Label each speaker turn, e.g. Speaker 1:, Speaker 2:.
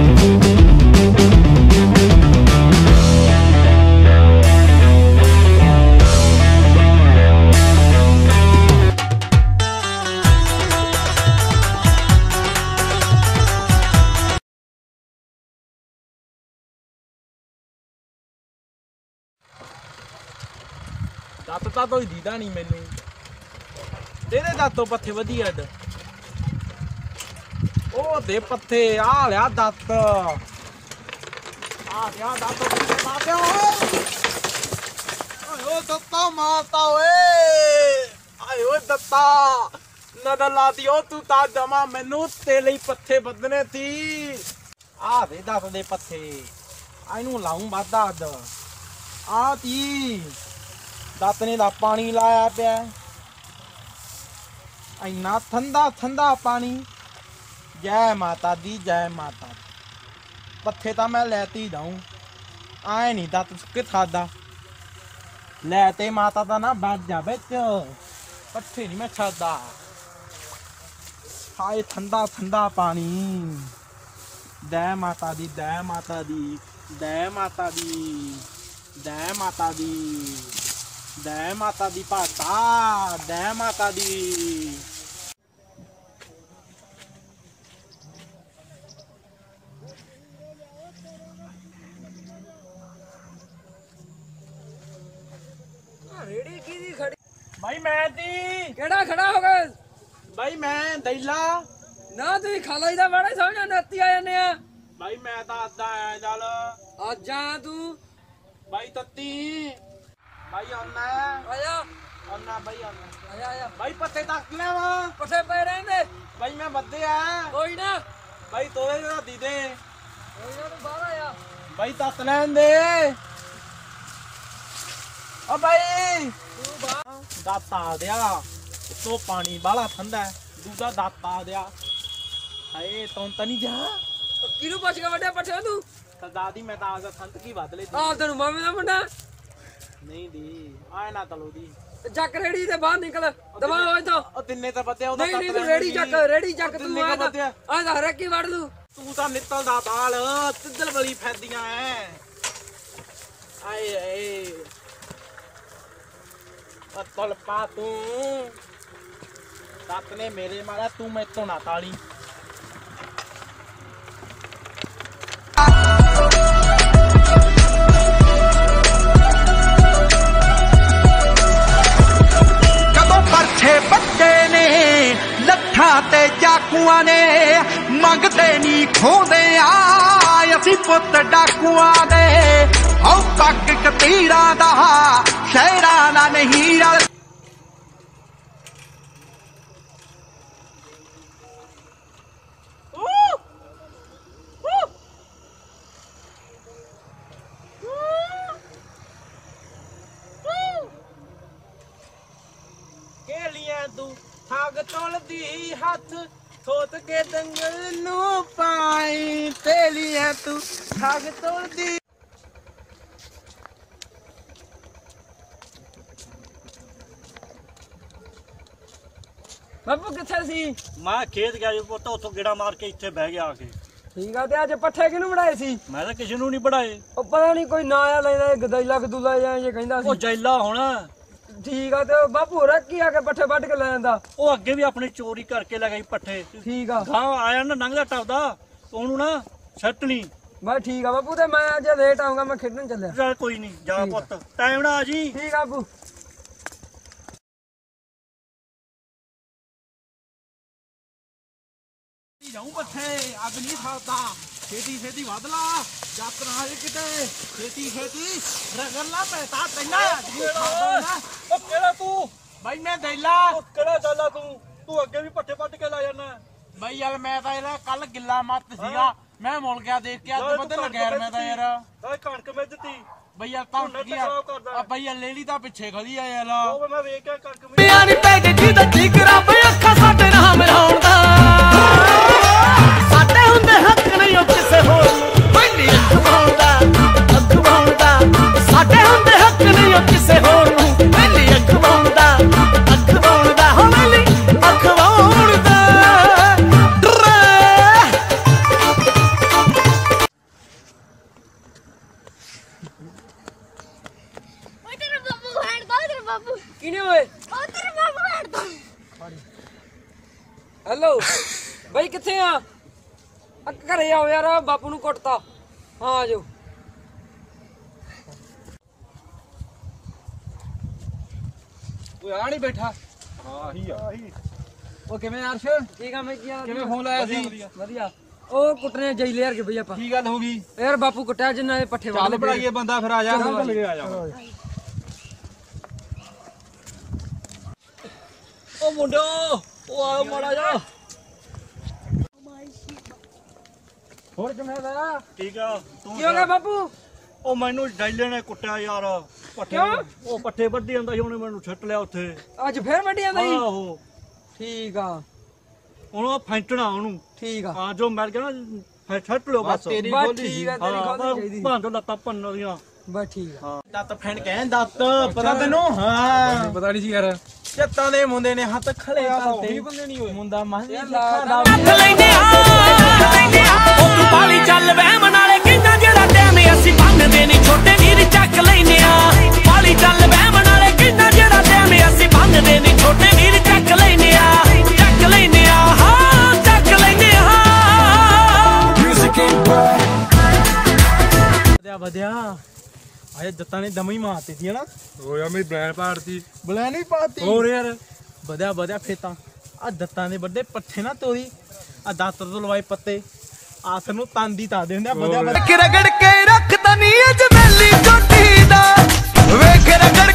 Speaker 1: ਦੱਤ ਤਾਂ ਕੋਈ ਦੀਦਾ ਨਹੀਂ ਮੈਨੂੰ ਇਹਦੇ ਦੱਤੋਂ ਪੱਥੇ ਵਧੀਆ ਅੱਡ ਉਹ ਦੇ ਪੱਥੇ ਆ ਲਿਆ ਦੱਤ ਆ ਗਿਆ ਦੱਤ ਮਾਰਿਆ ਓਏ ਦੱਤਾ ਮਾਰਤਾ ਓਏ ਆਏ ਓਏ ਦੱਤਾ ਨਦਰ ਲਾਤੀ ਉਹ ਤੂੰ ਤਾਂ ਜਮਾ ਮੈਨੂੰ ਤੇ ਲਈ ਪੱਥੇ ਬੱਦਨੇ ਸੀ ਆ ਦੇ ਦੱਤ ਦੇ ਪੱਥੇ ਇਹਨੂੰ ਲਾਉਂ ਵਾਧਾ ਅੱਡ ਆ ਤੀ ਦੱਤ ਨੇ ਦਾ ਪਾਣੀ ਲਾਇਆ ਪਿਆ ਇੰਨਾ ਠੰਡਾ ਠੰਡਾ ਪਾਣੀ ਜੈ ਮਾਤਾ ਦੀ ਜੈ ਮਾਤਾ ਦੀ ਪੱਥੇ ਤਾਂ ਮੈਂ ਲੈਤੀ ਜਾਊਂ ਆਏ ਨਹੀਂ ਦੱਤ ਸੁੱਕੇ ਖਾਦਾ ਲੈ ਤੇ ਮਾਤਾ ਦਾ ਨਾ ਬੈਠ ਜਾ ਵਿੱਚ ਪੱਥੇ ਨਹੀਂ ਮੈਂ ਛੱਡਦਾ ਹਾਏ ਠੰਡਾ ਠੰਡਾ ਪਾਣੀ ਜੈ ਮਾਤਾ ਦੀ ਜੈ ਮਾਤਾ ਦੀ ਜੈ ਮਾਤਾ ਦੀ ਜੈ ਮਾਤਾ ਦੀ ਜੈ ਮਾਤਾ ਦੀ ਭਾਤਾ ਜੈ ਮਾਤਾ ਦੀ
Speaker 2: ਰੇੜੀ ਕਿਹਦੀ ਖੜੀ
Speaker 1: ਭਾਈ ਮੈਂ ਦੀ
Speaker 2: ਕਿਹੜਾ ਖੜਾ ਹੋ ਗਿਆ
Speaker 1: ਭਾਈ ਮੈਂ ਦੈਲਾ
Speaker 2: ਨਾ ਤੁਸੀਂ ਖਾਲਾ ਦਾ ਬੜਾ ਸਮਝਾ ਨੱਤੀ ਆ ਜਾਂਦੇ ਆ
Speaker 1: ਭਾਈ ਮੈਂ ਤਾਂ ਆਦਾ ਆਇਆ ਚੱਲ
Speaker 2: ਅੱਜ ਆ ਤੂੰ
Speaker 1: ਭਾਈ ਤੱਤੀ ਭਾਈ ਆਉਣਾ
Speaker 2: ਆਇਆ
Speaker 1: ਆਉਣਾ ਭਾਈ ਆਉਣਾ
Speaker 2: ਆਇਆ ਆਇਆ
Speaker 1: ਭਾਈ ਪੱਤੇ ਤੱਕ ਲੈਵਾ
Speaker 2: ਪੱਠੇ ਪੈ ਰਹਿੰਦੇ
Speaker 1: ਭਾਈ ਮੈਂ ਬੱਦੇ ਆ
Speaker 2: ਕੋਈ ਨਾ
Speaker 1: ਭਾਈ ਤੋੜੇ ਦਾ ਦੀ ਦੇ
Speaker 2: ਕੋਈ ਨਾ ਤੂੰ ਬਾਹਰ ਆਇਆ
Speaker 1: ਭਾਈ ਤੱਕ ਲੈਣ ਦੇ ਓ ਭਾਈ
Speaker 2: ਤੂੰ ਬਾਹਰ
Speaker 1: ਦਾਤਾ ਆ ਦਿਆ ਉਤੋਂ ਪਾਣੀ ਬਾਲਾ ਠੰਡਾ ਦੂਜਾ ਦਾਤਾ ਆ ਦਿਆ ਹਾਏ ਤੂੰ ਤਾਂ ਨਹੀਂ ਜਾ
Speaker 2: ਕਿਹਨੂੰ ਪੁੱਛ ਕੇ ਵੱਡਿਆ ਪੱਠੇ ਤੂੰ
Speaker 1: ਤਾਂ ਦਾਦੀ ਮੈਂ ਤਾਂ ਆਜਾ ਸੰਤ ਕੀ ਵੱਧ ਲੈ
Speaker 2: ਆਹ ਤੈਨੂੰ ਮਾਮੇ ਦਾ ਮੁੰਡਾ
Speaker 1: ਨਹੀਂ ਦੀ ਆਏ ਨਾ ਤਲੋ ਦੀ
Speaker 2: ਚੱਕ ਰੇੜੀ ਤੇ ਬਾਹਰ ਨਿਕਲ ਦਵਾ ਹੋ ਇੱਥੋਂ
Speaker 1: ਉਹ ਤਿੰਨੇ ਤਾਂ ਬੱਦਿਆ ਉਹਦਾ
Speaker 2: ਨਹੀਂ ਤੂੰ ਰੇੜੀ ਚੱਕ ਤੂੰ ਆ ਤਾਂ ਹਰੇਕ ਹੀ ਵੜ ਲੂ
Speaker 1: ਤੂੰ ਤਾਂ ਨਿੱਤਲ ਦਾ ਬਾਲ ਤਿੱਦਲ ਬਲੀ ਫੈਦੀਆਂ ਐ ਆਏ ਆਏ ਪਤਲ ਪਾ ਤੂੰ ਤੱਕ ਨੇ ਮੇਰੇ ਮਾਰਾ ਤੂੰ ਮੈਥੋਂ ਨਾ ਤਾਲੀ
Speaker 3: ਕਦੋਂ ਪਰਛੇ ਬੱਟੇ ਨੇ ਲੱਠਾਂ ਤੇ ਚਾਕੂਆਂ ਨੇ ਮੰਗਦੇ ਨਹੀਂ ਖੋਦੇ ਆ ਅਸੀਂ ਪੁੱਤ ਡਾਕੂਆਂ ਦੇ ਹਉ ਪੱਕ ਕਤੀਰਾਂ ਦਾ ਸ਼ਹਿਰਾਂ ਦਾ ਨਹੀਂ ਰਲ
Speaker 1: ਤੂੰ ਠੱਗ ਤੋਲਦੀ ਹੱਥ ਥੋਤ ਕੇ ਦੰਗਲ ਨੂੰ ਪਾਈ ਤੇਲੀਆਂ ਤੂੰ ਠੱਗ ਤੋਲਦੀ
Speaker 2: ਬੱਬੂ ਕਿੱਥੇ ਸੀ
Speaker 4: ਮੈਂ ਖੇਤ ਗਿਆ ਜੀ ਪੁੱਤ ਉੱਥੋਂ ਗੇੜਾ ਮਾਰ ਕੇ ਇੱਥੇ ਬਹਿ ਗਿਆ ਆ ਕੇ
Speaker 2: ਠੀਕ ਆ ਤੇ ਅੱਜ ਪੱਠੇ ਕਿਹਨੂੰ ਬਣਾਏ ਸੀ
Speaker 4: ਮੈਂ ਤਾਂ ਕਿਸੇ ਨੂੰ ਨਹੀਂ ਪੜਾਏ
Speaker 2: ਉਹ ਪਤਾ ਨਹੀਂ ਕੋਈ ਨਾ ਆ ਲੈਂਦਾ ਗਦੈਲਾ ਗਦੂਲਾ ਜਾਂ ਇਹ ਕਹਿੰਦਾ
Speaker 4: ਉਹ
Speaker 2: ਸੀ
Speaker 4: ਜੈਲਾ ਹੋਣਾ
Speaker 2: ਠੀਕ ਆ ਤੇ ਬਾਪੂ ਰੱਖੀ ਆ ਕੇ ਪੱਠੇ ਵੱਢ ਕੇ ਲੈ ਜਾਂਦਾ
Speaker 4: ਉਹ ਅੱਗੇ ਵੀ ਆਪਣੀ ਚੋਰੀ ਕਰਕੇ ਲੈ ਗਈ ਪੱਠੇ
Speaker 2: ਠੀਕ ਆ
Speaker 4: ਗਾਂ ਆਇਆ ਨਾ ਲੰਘਦਾ ਟੱਪਦਾ ਉਹਨੂੰ ਨਾ ਸੱਟ ਨਹੀਂ
Speaker 2: ਬਸ ਠੀਕ ਆ ਬਾਪੂ ਤੇ ਮੈਂ ਅੱਜ ਲੇਟ ਆਉਂਗਾ ਮੈਂ ਖੇਡਣ ਚੱਲਿਆ
Speaker 4: ਚੱਲ ਕੋਈ ਨਹੀਂ ਜਾ ਪੁੱਤ ਟਾਈਮ ਨਾਲ ਆ ਜੀ
Speaker 2: ਠੀਕ ਆ ਬਾਪੂ
Speaker 1: ਜਾਉਂ ਪੱਠੇ ਅੱਗ ਨਹੀਂ ਖਾਦਾ ਛੇਤੀ ਛੇਤੀ ਵਧ ਲਾ ਜੱਤ ਨਾ ਜੇ ਕਿਤੇ ਛੇਤੀ ਛੇਤੀ ਰਗੜ ਲਾ ਪੈਸਾ ਤੈਨਾਂ
Speaker 4: ਉਹ ਕਿਹੜਾ ਤੂੰ
Speaker 1: ਬਾਈ ਮੈਂ ਦੈਲਾ
Speaker 4: ਉਹ ਕਿਹੜਾ ਚੱਲਾ ਤੂੰ ਅੱਗੇ ਵੀ ਪੱਠੇ ਵੱਢ ਕੇ ਲਾ ਜਾਣਾ
Speaker 1: ਬਾਈ ਯਾਰ ਮੈਂ ਤਾਂ ਇਹਦਾ ਕੱਲ ਗਿੱਲਾ ਮੱਤ ਸੀਗਾ ਮੈਂ ਮੁੜ ਗਿਆ ਦੇਖ ਕੇ ਅੱਜ ਬਦਲ ਲੱਗਿਆ ਮੈਂ ਤਾਂ ਯਾਰ
Speaker 4: ਓਏ ਕਣਕ ਮੈਂ ਦਿੱਤੀ
Speaker 1: ਬਈ ਯਾਰ ਤਾਂ ਕੀ ਆ ਬਈ ਯਾਰ ਲੇਲੀ ਤਾਂ ਪਿੱਛੇ ਖੜੀ ਆ ਯਾਰ
Speaker 4: ਉਹ ਮੈਂ ਵੇਖ ਕੇ ਕਣਕ
Speaker 3: ਪਿਆ ਨੀ ਪੈ ਗਈ ਜਿਹਦਾ ਠੀਕ ਰੱਬ ਅੱਖਾਂ ਸਾਡੇ ਨਾਲ ਮਿਲਾਉਣ ਦਾ ਸਾਡੇ ਹੁੰਦੇ ਹੱਕ ਨਹੀਂ ਉਹ ਕਿਸੇ ਹੋਰ ਨੂੰ ਪਹਿਲੀ ਅਖਵਾਉਣ ਦਾ ਸਾਡੇ ਹੁੰਦੇ ਹੱਕ ਨਹੀਂ ਉਹ ਕਿਸੇ ਹੋਰ ਨੂੰ ਪਹਿਲੀ ਅਖਵਾਉਣ ਦਾ ਹੋ ਪਹਿਲੀ ਅਖਵਾਉਣ ਦਾ
Speaker 2: ਆ ਘਰੇ ਆਓ ਯਾਰ ਬਾਪੂ ਨੂੰ ਕੁੱਟਤਾ ਹਾਂ ਆਜੋ
Speaker 1: ਓਏ ਆ ਨਹੀਂ ਬੈਠਾ
Speaker 4: ਆਹੀ ਆ
Speaker 1: ਉਹ ਕਿਵੇਂ ਅਰਸ਼
Speaker 2: ਠੀਕ ਆ ਮੈਂ ਕੀ ਆ
Speaker 1: ਕਿਵੇਂ ਫੋਨ ਲਾਇਆ ਸੀ
Speaker 2: ਵਧੀਆ ਉਹ ਕੁੱਟਨੇ ਜਾਈ ਲਿਆਰ ਕੇ ਬਈ ਆਪਾਂ
Speaker 1: ਕੀ ਗੱਲ ਹੋ ਗਈ
Speaker 2: ਯਾਰ ਬਾਪੂ ਕੁੱਟਿਆ ਜਿੰਨਾ ਇਹ ਪੱਠੇ
Speaker 1: ਚੱਲ ਬਣਾਈਏ ਬੰਦਾ ਫਿਰ ਆ ਜਾ
Speaker 4: ਆ ਜਾ ਉਹ ਮੁੰਡੋ ਉਹ ਆ ਮਾੜਾ ਜਾ
Speaker 1: ਹੋਰ ਕਿਵੇਂ ਦਾ
Speaker 4: ਠੀਕ ਆ ਤੂੰ
Speaker 2: ਕੀ ਹੋ ਗਿਆ ਬਾਪੂ
Speaker 4: ਉਹ ਮੈਨੂੰ ਡਾਈਲੇ ਨੇ ਕੁੱਟਿਆ ਯਾਰ ਪੱਠੇ ਉਹ ਪੱਠੇ ਵੱਢੀ ਜਾਂਦਾ ਸੀ ਉਹਨੇ ਮੈਨੂੰ ਛੱਟ ਲਿਆ ਉੱਥੇ
Speaker 2: ਅੱਜ ਫੇਰ ਵੱਡੀਆਂ ਦਾ ਜੀ
Speaker 4: ਆਹੋ
Speaker 2: ਠੀਕ ਆ
Speaker 4: ਉਹਨੂੰ ਫੈਂਟਣਾ ਉਹਨੂੰ
Speaker 2: ਠੀਕ ਆ
Speaker 4: ਹਾਂ ਜੋ ਮਿਲ ਗਿਆ ਨਾ ਫਿਰ ਛੱਟ ਲਿਓ ਬਸ
Speaker 1: ਤੇਰੀ
Speaker 2: ਬਸ
Speaker 1: ਗੋਲੀ
Speaker 2: ਠੀਕ ਆ ਤੇਰੀ ਖੋਲਣੀ ਚਾਹੀਦੀ
Speaker 4: ਭਾਂ ਤੋਂ ਲੱਤਾਂ ਭੰਨ ਦੀਆਂ
Speaker 2: ਬਸ ਠੀਕ ਆ
Speaker 1: ਦੱਤ ਫੈਣ ਕਹਿ ਦੱਤ ਪਤਾ ਤੈਨੂੰ ਹਾਂ
Speaker 2: ਪਤਾ ਨਹੀਂ ਸੀ ਯਾਰ
Speaker 1: ਚੱਤਾਂ ਦੇ ਮੁੰਡੇ ਨੇ ਹੱਥ ਖੜੇ ਕਰਤੇ ਬੰਦੇ ਨਹੀਂ ਹੋਏ ਮੁੰਡਾ ਮਾਹੀ
Speaker 5: ਲੈਨੇ ਆ ਉਹ ਤੂੰ ਪਾਲੀ ਚੱਲ ਵਹਿਮ ਨਾਲੇ ਕਹਿੰਦਾ ਜਿਹੜਾ ਟਾਈਮ ਅਸੀਂ ਬੰਨਦੇ ਨਹੀਂ ਛੋਟੇ ਵੀਰ ਚੱਕ ਲੈਨੇ ਆ ਪਾਲੀ ਚੱਲ ਵਹਿਮ ਨਾਲੇ ਕਹਿੰਦਾ ਜਿਹੜਾ ਟਾਈਮ ਅਸੀਂ ਬੰਨਦੇ ਨਹੀਂ ਛੋਟੇ ਵੀਰ ਚੱਕ ਲੈਨੇ ਆ ਹਾਂ ਚੱਕ ਲੈਨੇ ਆ
Speaker 1: ਵਧਿਆ ਆਏ ਜੱਤਾਂ ਨੇ ਦਮ ਹੀ ਮਾਰਤੀ ਸੀ ਹਨਾ
Speaker 4: ਹੋਇਆ ਮੇਰੀ ਬ੍ਰੈਂਡ ਪਾੜਤੀ
Speaker 1: ਬੁਲਾ ਨਹੀਂ ਪਾਤੀ
Speaker 4: ਹੋਰ ਯਾਰ
Speaker 1: ਵਧਿਆ ਫੇਤਾ ਆ ਦੱਤਾਂ ਦੇ ਵੱਡੇ ਪੱਠੇ ਨਾ ਤੋਰੀ ਆ ਦਾਤਰ ਤੋਂ ਲਵਾਏ ਪੱਤੇ ਆਸ ਨੂੰ ਤਾਂਦੀ ਤਾ ਦੇ ਹੁੰਦੇ ਵਧਿਆ
Speaker 3: ਰਗੜ ਕੇ ਰੱਖ ਤਨੀ ਅਜਮੇਲੀ ਚੋਟੀ ਦਾ ਵੇਖ ਰਗੜ